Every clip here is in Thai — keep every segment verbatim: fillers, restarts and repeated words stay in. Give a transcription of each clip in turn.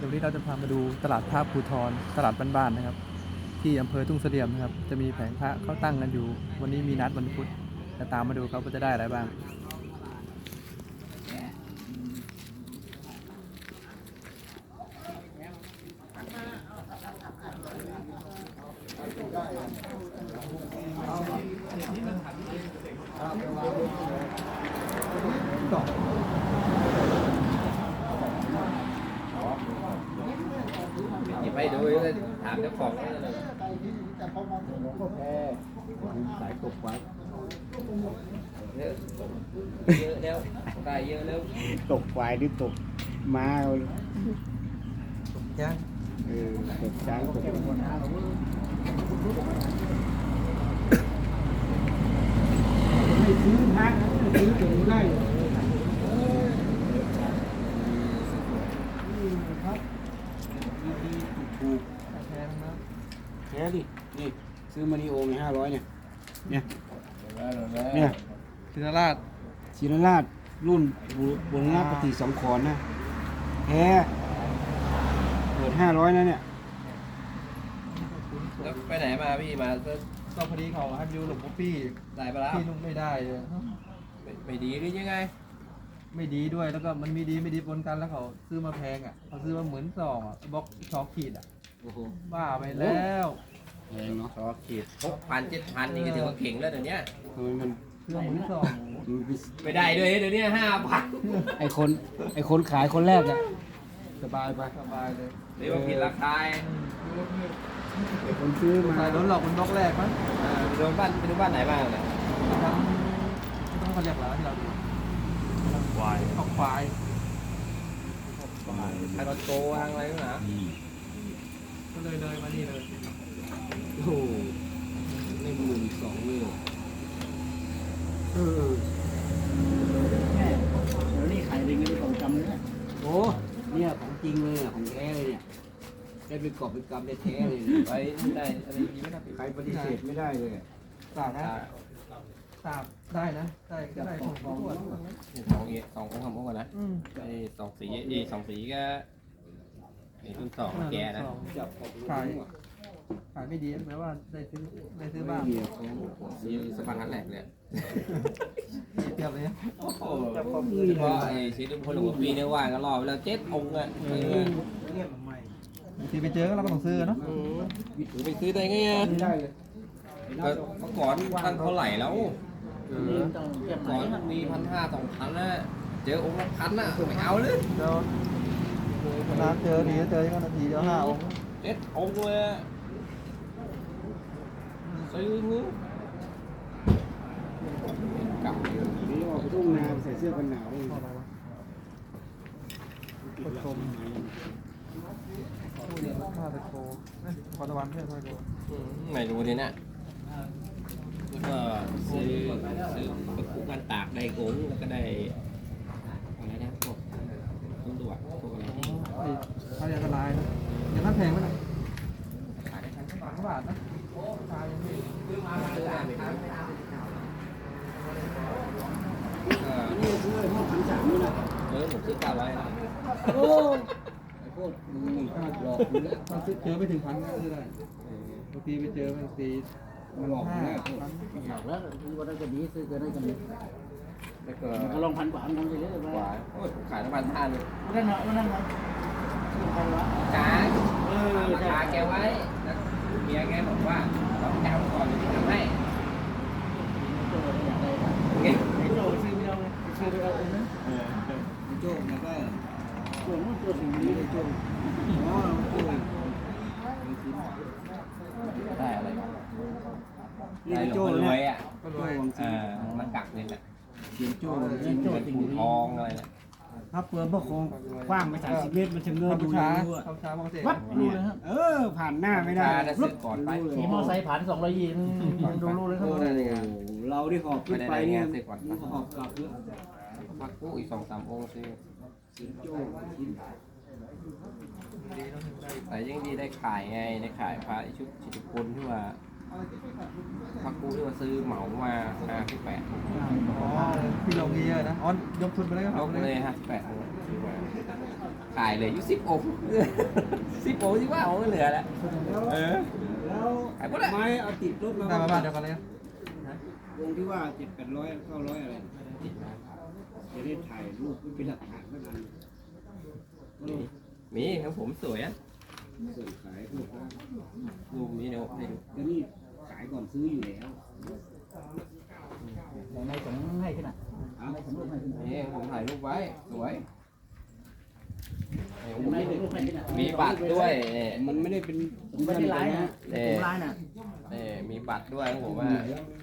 ดี๋ยววันนี้เราจะพามาดูตลาดพระภูธรตลาดบ้านๆนะครับที่อำเภอทุ่งเสลี่ยมนะครับจะมีแผงพระเขาตั้งกันอยู่ วันนี้มีนัดวันพุธจะตามมาดูเขาจะได้อะไรบ้างต่อไปดูถามเจ้าของเลยสายตกไว้เยอะเยอะแล้วได้เยอะแล้วตกควายหรือตกม้าตกย่างเออตกช้างตกไม่ซื้อพักซื้อถึงได้ครับดีๆถูกแพงนะแค่ดินี่ซื้อมานิโอไงห้าร้อยเนี่ยเนี่ยเนี่ยศิลราชศิลราชรุ่นบุรณะปฏิสังขรณ์นะแท้เปิดห้าร้อยนะเนี่ยแล้วไปไหนมาพี่มาก็พอดีเขาให้ดูหลวงพ่อพี่ได้ปะล่ะพี่นุ่งไม่ได้เลยไม่ดีหรือยังไงไม่ดีด้วยแล้วก็มันมีดีไม่ดีปนกันแล้วเขาซื้อมาแพงอ่ะเขาซื้อมาเหมือนซองอ่ะบล็อกช็อกขีดอ่ะบ้าไปแล้วแพงเนาะช็อกขีดหกพันเจ็ดพันนี่ก็ถือว่าเก่งแล้วเดี๋ยวนี้ทำไมมันเครื่องเหมือนซองไม่ได้ด้วยเดี๋ยวนี้ห้าพันไอคนไอคนขายคนแรกอ่ะสบายไปสบายเลยเดี๋ยวผิดราคาไอคนซื้อมาโดนหลอกเป็นบล็อกแรกมั้งไปดูบ้านไปดูบ้านไหนบ้างเนี่ยทั้งต้องเขาเรียกอะไรที่เราดูควายออกควายไอ้รถโกวางอะไรนะก็เลยเลยมานี่เลยโอ้โหในหมื่นสองเลยเออแม่เดี๋ยวนี้ขายเป็นเงินของจำเลยนะโอ้เนี่ยของจริงเลยอ่ะของแท้เลยเนี่ยได้เป็นกอบเป็นกำได้แท้เลยไปได้อะไรดีไม่ได้ใครปฏิเสธไม่ได้เลยสาบนะสาบได้นะได้ก็ได้ของของสองเอสองของคำพูดก่อนนะไอ้สองสีไอ้สองสีก็ไอ้รุ่นสองแกนะขายขายไม่ดีแม้ว่าได้ซื้อได้ซื้อบ้างซื้อสะพานหันแหลกเนี่ยเทียบเลยโอ้โหเพราะไอ้ชีวิตคนหลวงปีเนี่ยว่าก็รอไปแล้วเจ็ดองค์อ่ะทีไปเจอก็เราก็ต้องซื้อเนาะไปซื้อได้ไงอ่ะก็เมื่อก่อนตั้งเท่าไหร่แล้วก่อนมีพันห้าสองพันนะเจอองค์ละพันอ่ะไม่เอาเลยเดี๋ยวนาเจอดีเจอก็นาทีเดียวห้าองค์เจ็ดองค์เลยซื้อมือกับนี่ออกไปทุ่งนาใส่เสื้อกันหนาวผู้ชมผู้เรียนข้าตะโกขอตะวันเพื่อนข้าตะโกไม่รู้ดิเนี่ยก็ซื้อซื้อไปคู่กันตากได้โกงแล้วก็ได้อะไรนะพวกต้นดวกพวกอะไรที่ถ้าจะละลายนะยังน่าแพงไหมล่ะขายได้ชั้นสองบาทนะขายยังไม่ซื้อมาซื้อมาไม่ได้นี่ซื้อไอ้พวกพันสามนี่นะเออผมซื้อเก้าร้อยโอ้ไอ้พวกมึงพลาดหลอกมึงถ้าซื้อเจอไม่ถึงพันก็ซื้อได้บางทีไปเจอบางทีมันหลอกแน่หลอกแล้วคือว่าได้จะดีซื้อจะได้จะดีแล้วก็ก็ลองพันกว่าพันไปเลยกว่าโอ้ยขายน้ำมันห้าเลยนั่นเหรอนั่นเหรอจ้าเออจ้าแกไว้แล้วเมียแกบอกว่าต้องจ้างก่อนจะทำให้ไอ้โจ้ซื้อไม่เอาไงซื้อไปเอาเองนะเออไอ้โจ้แล้วก็โจ้นู่นโจ้ถึงนี้ไอ้โจ้อ๋อโจ้ได้อะไรนี่โจ้รวยอ่ะก็รวยเออมันกักเลยแหละเสียงโจ้เสียงโจ้ติ่งทองอะไรเนี่ยถ้าเปิดพวกคงกว้างไปสามสิบเมตรมันจะเงือบดูช้าช้ามองเสียวัดดูเลยครับเออผ่านหน้าไม่ได้รถก่อนไปมีมอไซค์ผ่านสองร้อยยี่ดูรู้เลยครับเราที่หอบขึ้นไปเนี่ยหอบกลับเยอะพักกู้อีกสองสามองค์ซื้อโจ้แต่ยังดีได้ขายไงได้ขายพระชุดชิตกุลที่ว่าพักกู้ที่ว่าซื้อเหมามาห้าสิบแปดอ๋อพี่ลงเยอะนะอ๋อยกทุนไปเลยครับยกเลยห้าสิบแปดขายเลยอยู่สิบองค์สิบองค์ที่ว่าองค์ก็เหลือแล้วเออแล้วขายหมดแล้วไม้เอาติดรถมาได้มาบ้านเดียวกันเลยวงที่ว่าเจ็ดแปดร้อยเก้าร้อยอะไรจะได้ถ่ายรูปเป็นหลักฐานเท่านั้นมีของผมสวยอ่ะส่งขายพวกนั้นดูมีเดี๋ยวให้ดูแล้วนี่ขายก่อนซื้ออยู่แล้วในสงให้ขึ้นอ่ะในสงรูปให้ขึ้นนี่ผมถ่ายรูปไว้สวยในสงรูปให้ขึ้นอ่ะมีบัตรด้วยนี่มันไม่ได้เป็นไม่ได้ร้ายนะเป็นร้ายน่ะนี่มีบัตรด้วยของผมว่า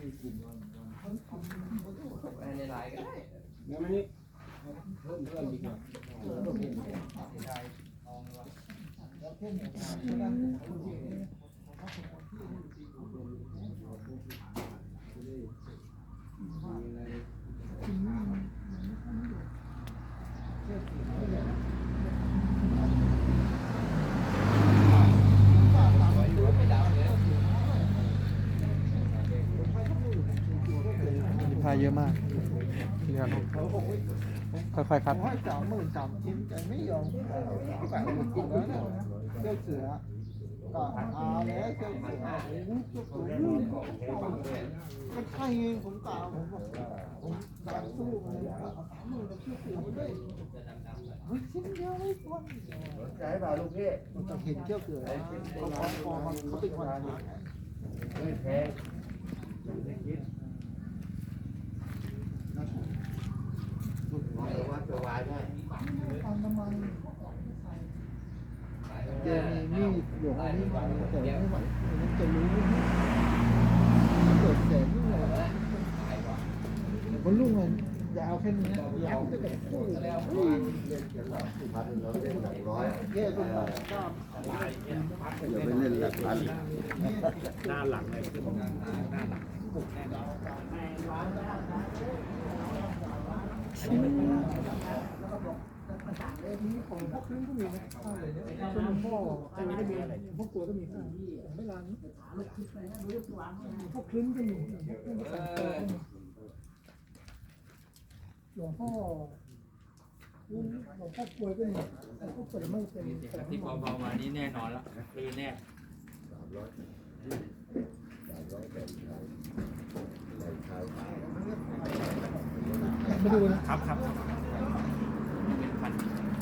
ในไลน์ก็ได้แล้วมันนี่เพิ่มเพิ่มดีกว่ามีผ้าเยอะมากนี่ครับค่อยๆครับให้สามหมื่นสามชิ้นแต่ไม่ยอมแต่ไม่กินแล้วเนี่ยเจ้าเสือก็อาแล้วเจ้าเสือเจ้าเสือก็ใช่ไงผมกล่าวผมบอกผมกล่าวสู้เลยเอาสามหมื่นกับเจ้าเสือมาด้วยเฮ้ยชิ้นเดียวไม่พอใช่ป่ะลูกพี่มันจะเห็นเจ้าเสือเขาคอนคอมันเขาเป็นคนขายไม่แพงเจมีมีดหลวงอันนี้มาแต่ไม่ไหวมันจะรู้เกิดแสงนี่เลยมันลุ่งมันยาวแค่นี้ยาวก็แบบคู่แล้วพันเราเล่นหลักร้อยเย่ก็มาอย่าไปเล่นหลักพันหน้าหลังเลยหน้าหลังของพวกครึ่งก็มีนะส่วนพ่ออันนี้ก็มีพวกตัวก็มีไม่ร้านนี้พวกครึ่งก็มีหลวงพ่อหลวงพ่อกลวยก็มีหลวงพ่อกลวยไม่เป็นที่เบาๆมานี่แน่นอนแล้วคือแน่มาดูนะครับครับเป็นพัน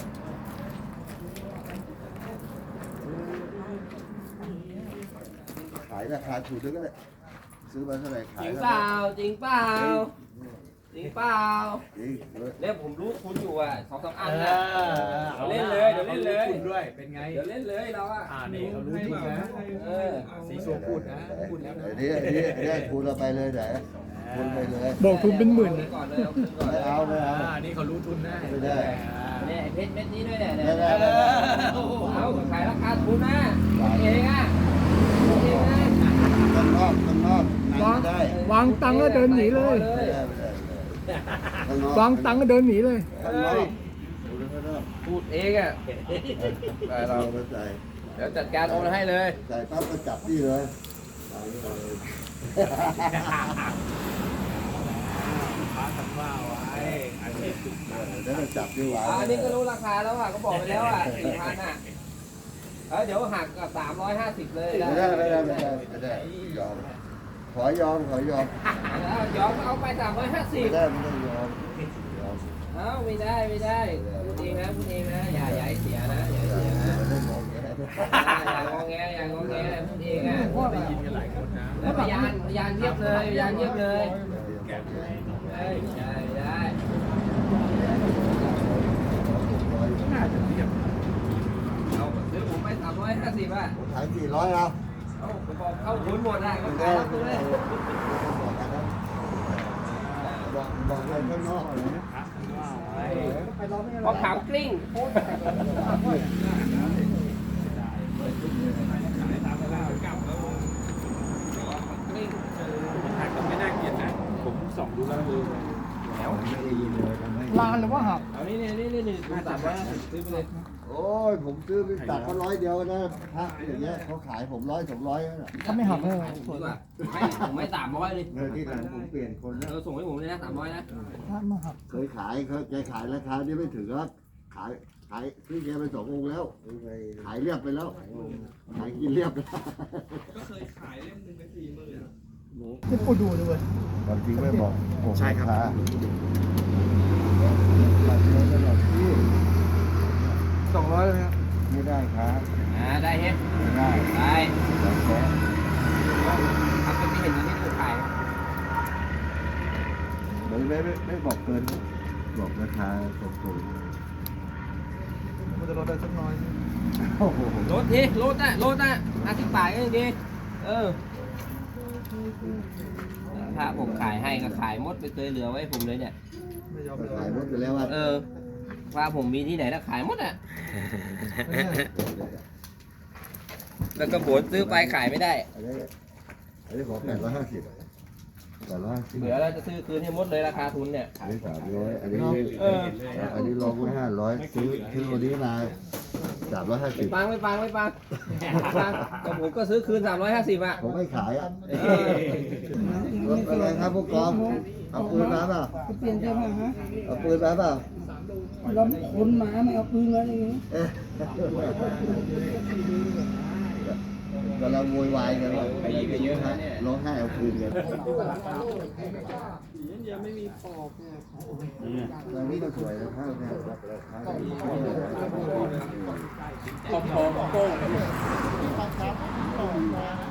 ขายราคาถูกด้วยก็ได้ซื้อมาเท่าไหร่ขาจยริงเท่าเปไหร่ล่าจริงเปล่าจริงเปล่าจริงเออเนี่ยผมรู้คุณอยู่อ่ะสองสามอันนะเล่นเลยเดี๋ยวเล่นเลยคุณด้วยเป็นไงเดี๋ยวเล่นเลยเราอ่ะอ่านี่เขารู้ทุกนะเออสีโซพูดนะพูดแล้วนะไอ้นี่ไอ้นี่ไอ้นี่คูณเราไปเลยไหนคูณไปเลยบอกทุนเป็นหมื่นก่อนเลยเอาคืนก่อนเลไม่ยเอาไม่เอาอ่านี่เขารู้ทุนนะไม่ได้เนี่ยเพชรเม็ดนี้ด้วยเนี่ยไม่ได้เอาขายราคาทุนนะเองอ่ะเองนะข้างนอกข้างนอกนั่งไม่ได้วางตังค์แล้วเดินหนีเลยไม่ได้ไม่ได้ข้างนอกวางตังค์ก็เดินหนีเลยข้างนอกคูณข้างนอกพูดเองอ่ะใส่เราไปใส่เดี๋ยวจัดการโอนให้เลยใส่ปั๊บก็จับที่เลยใส่เลยฟ้าทำว่าไว้อันนี้ถูกนะแล้วก็จับที่หวานอันนี้ก็รู้ราคาแล้วอ่ะก็บอกไปแล้วอ่ะสี่พันอ่ะเออเดี๋ยวหักกับสามร้อยห้าสิบเลยไม่ได้ไม่ได้ไม่ได้ไม่ได้ยอมขอยอมขอยอมแล้วยอมเอาไปสามร้อยห้าสิบไม่ได้ไม่ได้ยอมยอมเอ้าไม่ได้ไม่ได้พูดเองนะพูดเองนะอย่าอย่าให้เสียนะอย่าให้เสียนะไม่ได้บอกแกอย่างงอแงอย่างงอแงพูดเองอ่ะได้ยินกันหลายคนนะแล้วพยานพยานเทียบเลยพยานเทียบเลยแกะเอ้ยไม่ได้ไม่ได้น่าจะเทียบเอาซื้อผมไปสามร้อยห้าสิบอ่ะขายสี่ร้อยเอาเอาผมบอกเข้าทุนหมดอ่ะก็ขายรับตัวเลยบอกบอกไปข้างนอกเลยนะพอขามกลิ้งโคตรหักก็ไม่น่าเกลียดนะ ผมส่องดูแล้วดูแล้วไม่ได้ยินเลยทำให้ลานหรือว่าหักเอานี่นี่นี่นี่สามร้อยห้าสิบซื้อไปเลยโอ้ยผมซื้อไปตัดเขาร้อยเดียวนะพระอย่างเงี้ยเขาขายผมร้อยสองร้อยนั่นแหละเขาไม่หักเลยดีกว่าให้ผมไม่สามร้อยเลยเมื่อที่หลังผมเปลี่ยนคนเอแล้วอส่งให้ผมเลยนะสามร้อยนะถ้ามาหักเคยขายเขาแกขายราคานี้ไม่ถึงแล้วขายขายซื้อแกไปสององค์แล้ว ขายเรียบไปแล้ว ขายกินเรียบไปแล้วที่กูดูเลยเว้ยความจริงไม่บอกใช่ครับบัตรเงินตลอดที่สองร้อยเลยครับไม่ได้ครับอ่าได้เฮ็ดไม่ได้ได้แล้วแค่ทำเป็นที่เห็นอยู่ที่ถูกขายไม่ไม่ไม่ไม่บอกเกิน บอกราคาตรงมันจะลดได้สักน้อยๆโอ้โหรถทีรถอ่ะรถอ่ะห้าสิบบาทก็ยังดีเออถ้าผมขายให้ก็ขายหมดไม่เคยเหลือไว้ผมเลยเนี่ยไม่ยอมก็เลยขายหมดไปแล้วว่าเออว่าผมมีที่ไหนแล้วขายหมดอ่ะ แล้วก็บนซื้อไปขายไม่ได้อันนี้อันนี้ขอแปดร้อยห้าสิบแปดร้อยห้าสิบเหลือแล้วจะซื้อคืนให้หมดเลยราคาทุนเนี่ยอันนี้สามร้อยอันนี้เอออันนี้ลองไว้ห้าร้อยซื้อซื้อวันนี้มาสามร้อยห้าสิบปังไม่ปังไม่ปังไม่ปังก็ผมก็ซื้อคืนสามร้อยห้าสิบอ่ะผมไม่ขายอ่ะเอออะไรครับพวกกองเอาปืนมาเปล่าเปลี่ยนเสื้อผ้าฮะเอาปืนมาเปล่าเราคนหมาไม่เอาปืนมาอย่างนี้เอ๊ะกำลังโวยวายกันว่าร้องไห้เอาปืนกันตอนนี้ก็สวยนะครับเนี่ยพอพอโป้งมีความช้ำต่อมา